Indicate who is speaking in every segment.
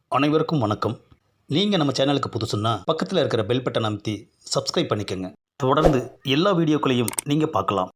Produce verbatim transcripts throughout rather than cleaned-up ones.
Speaker 1: அனைவருக்கும் வணக்கம். நீங்கள் நம்ம சேனலுக்கு புதுசுன்னா பக்கத்தில் இருக்கிற பெல் பட்டன் அமைத்தி சப்ஸ்கிரைப் பண்ணிக்கோங்க. தொடர்ந்து எல்லா வீடியோக்களையும் நீங்கள் பார்க்கலாம்.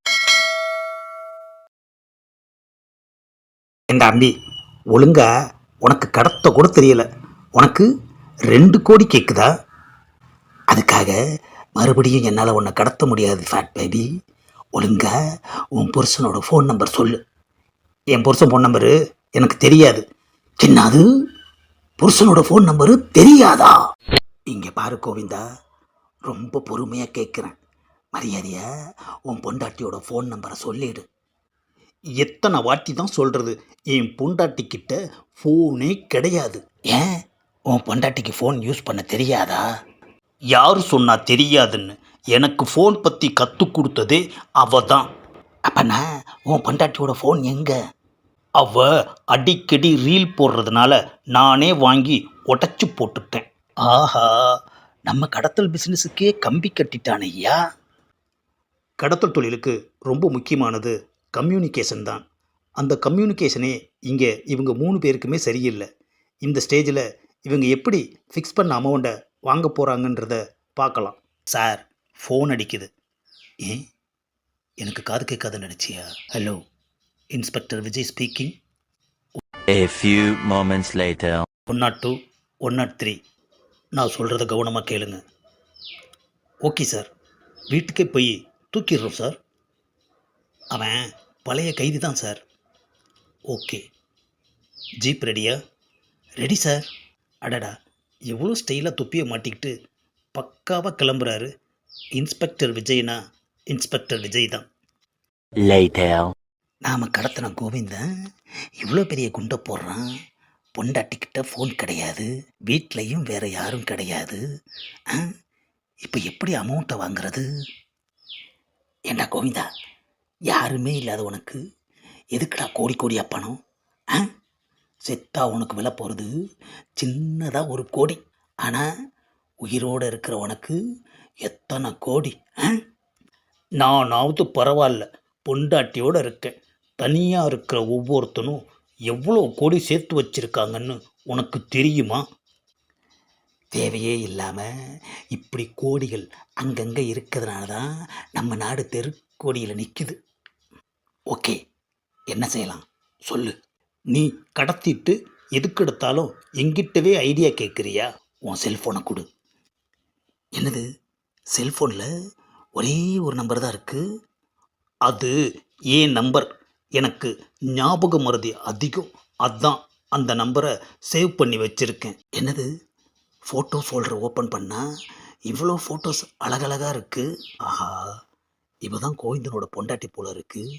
Speaker 2: என் தம்பி, ஒழுங்கா உனக்கு கடத்த கூட தெரியல. உனக்கு ரெண்டு கோடி கேட்குதா? அதுக்காக மறுபடியும் என்னால் உன்னை கடத்த முடியாது ஃபேட் பேபி. ஒழுங்கா உன் புருஷனோட ஃபோன் நம்பர் சொல்லு. என் புருஷன் ஃபோன் நம்பரு எனக்கு தெரியாது. என்னது, புருஷனோட ஃபோன் நம்பரு தெரியாதா? இங்கே பாரு கோவிந்தா, ரொம்ப பொறுமையாக கேட்குறேன். மரியாதையா உன் பொண்டாட்டியோட ஃபோன் நம்பரை சொல்லிடு.
Speaker 1: எத்தனை வாட்டி தான் சொல்கிறது, என் பொண்டாட்டிக்கிட்ட ஃபோனே கிடையாது.
Speaker 2: ஏன், உன் பொண்டாட்டிக்கு ஃபோன் யூஸ் பண்ண தெரியாதா?
Speaker 1: யார் சொன்னா தெரியாதுன்னு? எனக்கு ஃபோன் பற்றி கற்றுக் கொடுத்ததே அவ தான்.
Speaker 2: அப்பனா உன் பொண்டாட்டியோட ஃபோன் எங்கே?
Speaker 1: அவ அடிக்கடி ரீல் போடுறதுனால நானே வாங்கி உடச்சி போட்டுட்டேன்.
Speaker 2: ஆஹா, நம்ம கடத்தல் பிஸ்னஸுக்கே கம்பி கட்டிட்டான் ஐயா.
Speaker 1: கடத்தல் தொழிலுக்கு ரொம்ப முக்கியமானது கம்யூனிகேஷன் தான். அந்த கம்யூனிகேஷனே இங்கே இவங்க மூணு பேருக்குமே சரியில்லை. இந்த ஸ்டேஜில் இவங்க எப்படி ஃபிக்ஸ் பண்ண அமௌண்ட்டை வாங்க போகிறாங்கன்றத பார்க்கலாம்.
Speaker 2: சார், ஃபோன் அடிக்குது. ஏன், எனக்கு காது கேட்காதுன்னு நினச்சியா? Hello, inspector Vijay speaking.
Speaker 3: A few moments later.
Speaker 1: One naught two one naught three நான் சொல்கிறத கவனமாக கேளுங்க. ஓகே சார், வீட்டுக்கே போய் தூக்கிடுறோம் சார். அவன் பழைய கைதி தான் சார். ஓகே, ஜீப் ரெடியா?
Speaker 2: Ready sir.
Speaker 1: அடடா, எவ்வளோ ஸ்டைலாக தொப்பியை மாட்டிக்கிட்டு பக்காவாக கிளம்புறாரு. இன்ஸ்பெக்டர் விஜய்னா இன்ஸ்பெக்டர் விஜய் தான்.
Speaker 3: Later.
Speaker 2: நாம் கடத்தின கோவிந்தன் இவ்வளோ பெரிய குண்டை போடுறான். பொண்டாட்டிக்கிட்ட ஃபோன் கிடையாது, வீட்லேயும் வேறு யாரும் கிடையாது. இப்போ எப்படி அமௌண்ட்டை வாங்குறது? ஏண்டா கோவிந்தா, யாருமே இல்லாத உனக்கு எதுக்குடா கோடி கோடியா பணம்? ஆ, செத்தா உனக்கு விலை போகிறது சின்னதாக ஒரு கோடி. ஆனால் உயிரோடு இருக்கிற உனக்கு எத்தனை கோடி? ஆ,
Speaker 1: நானாவது பரவாயில்ல, பொண்டாட்டியோடு இருக்கேன். தனியாக இருக்கிற ஒவ்வொருத்தனும் எவ்வளோ கோடி சேர்த்து வச்சுருக்காங்கன்னு உனக்கு தெரியுமா?
Speaker 2: தேவையே இல்லாமல் இப்படி கோடிகள் அங்கங்கே இருக்கிறதுனால தான் நம்ம நாடு தெருக்கோடியில் நிற்குது. ஓகே, என்ன செய்யலாம் சொல்லு.
Speaker 1: நீ கடத்திட்டு எதுக்கு எடுத்தாலும் எங்கிட்டவே ஐடியா கேட்குறியா?
Speaker 2: உன் செல்ஃபோனை கொடு. என்னது, செல்ஃபோனில் ஒரே ஒரு நம்பர் தான் இருக்குது?
Speaker 1: அது ஏன் நம்பர், எனக்கு ஞாபக மறதி அதிகம். அதான் அந்த நம்பரை சேவ் பண்ணி வச்சுருக்கேன்.
Speaker 2: என்னது, ஃபோட்டோ ஃபோல்டரை ஓப்பன் பண்ணால் இவ்வளோ ஃபோட்டோஸ் அழகழகாக இருக்குது. ஆஹா, இப்போ தான் கோவிந்தனோட பொண்டாட்டி போல இருக்குது.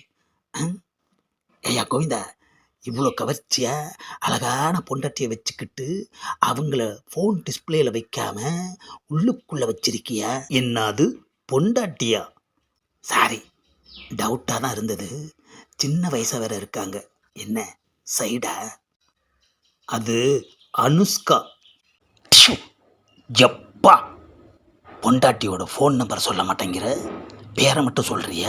Speaker 2: ஐயா கோவிந்தா, இவ்வளோ கவர்ச்சியாக அழகான பொண்டாட்டியை வச்சுக்கிட்டு அவங்கள ஃபோன் டிஸ்பிளேயில் வைக்காம உள்ளுக்குள்ளே வச்சிருக்கியா?
Speaker 1: என்னது, பொண்டாட்டியா?
Speaker 2: சாரி, டவுட்டாக தான் இருந்தது. சின்ன வயசாக வேற இருக்காங்க. என்ன சைடா?
Speaker 1: அது அனுஷ்கா.
Speaker 2: ப்ஷு, எப்பா, பொண்டாட்டியோட ஃபோன் நம்பர் சொல்ல மாட்டேங்கிற, பேரை மட்டும் சொல்கிறிய?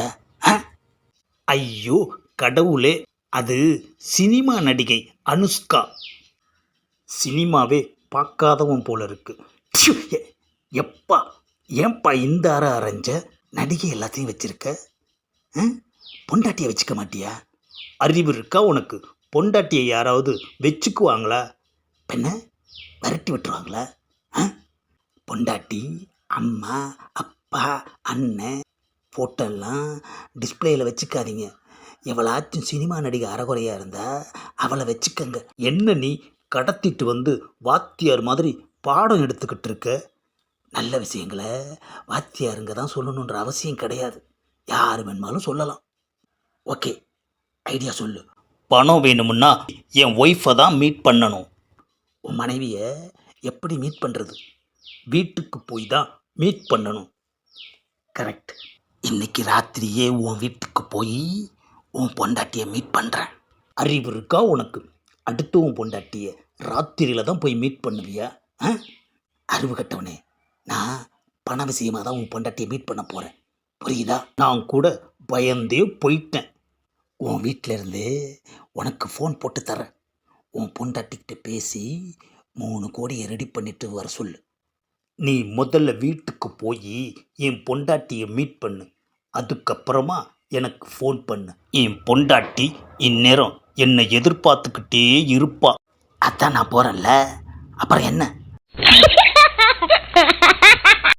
Speaker 1: ஐயோ கடவுளே, அது சினிமா நடிகை அனுஷ்கா. சினிமாவே பார்க்காதவன் போல இருக்கு.
Speaker 2: ப்ஷு, எ- எப்பா, ஏன்பா இந்த அற அரைஞ்ச? நடிகை எல்லாத்தையும் வச்சிருக்க, ஆ? பொண்டாட்டியை வச்சுக்க மாட்டியா?
Speaker 1: அறிவு இருக்கா உனக்கு? பொண்டாட்டியை யாராவது வச்சுக்குவாங்களா?
Speaker 2: பெண்ண விரட்டி விட்டுருவாங்களா? ஆ? பொண்டாட்டி, அம்மா, அப்பா, அண்ணன் ஃபோட்டோலாம் டிஸ்பிளேயில் வச்சுக்காதீங்க. எவளாச்சும் சினிமா நடிகை அறகுறையாக இருந்தால் அவளை வச்சுக்கங்க.
Speaker 1: என்ன நீ கடத்திட்டு வந்து வாத்தியார் மாதிரி பாடம் எடுத்துக்கிட்டு இருக்க?
Speaker 2: நல்ல விஷயங்களை வாத்தியாருங்க தான் சொல்லணுன்ற அவசியம் கிடையாது, யார் வேணுமாலும் சொல்லலாம். ஓகே, ஐடியா சொல்லு.
Speaker 1: பணம் வேணுமுன்னா என் ஒய்ஃபை தான் மீட் பண்ணணும்.
Speaker 2: உன் மனைவியை எப்படி மீட் பண்ணுறது?
Speaker 1: வீட்டுக்கு போய் தான் மீட் பண்ணணும்.
Speaker 2: கரெக்ட். இன்னைக்கு ராத்திரியே உன் வீட்டுக்கு போய் உன் பொண்டாட்டியை மீட் பண்ணுறேன்.
Speaker 1: அறிவு இருக்கா உனக்கு? அடுத்து உன் பொண்டாட்டியை ராத்திரியில் தான் போய் மீட் பண்ணுவியா?
Speaker 2: ஆ, அறிவு கட்டவனே, நான் பண விஷயமாக தான் உன் பொண்டாட்டியை மீட் பண்ண போகிறேன், புரியுதா?
Speaker 1: நான் கூட பயந்தே போயிட்டேன்.
Speaker 2: உன் வீட்டில் இருந்து உனக்கு ஃபோன் போட்டு தரேன். உன் பொண்டாட்டிக்கிட்ட பேசி மூணு கோடியை ரெடி பண்ணிட்டு வர சொல்லு.
Speaker 1: நீ முதல்ல வீட்டுக்கு போய் என் பொண்டாட்டியை மீட் பண்ணு. அதுக்கப்புறமா எனக்கு ஃபோன் பண்ணு. என் பொண்டாட்டி இந்நேரம் என்னை எதிர்பார்த்துக்கிட்டே இருப்பா.
Speaker 2: அதான் நான் போகிறேன்ல, அப்புறம் என்ன?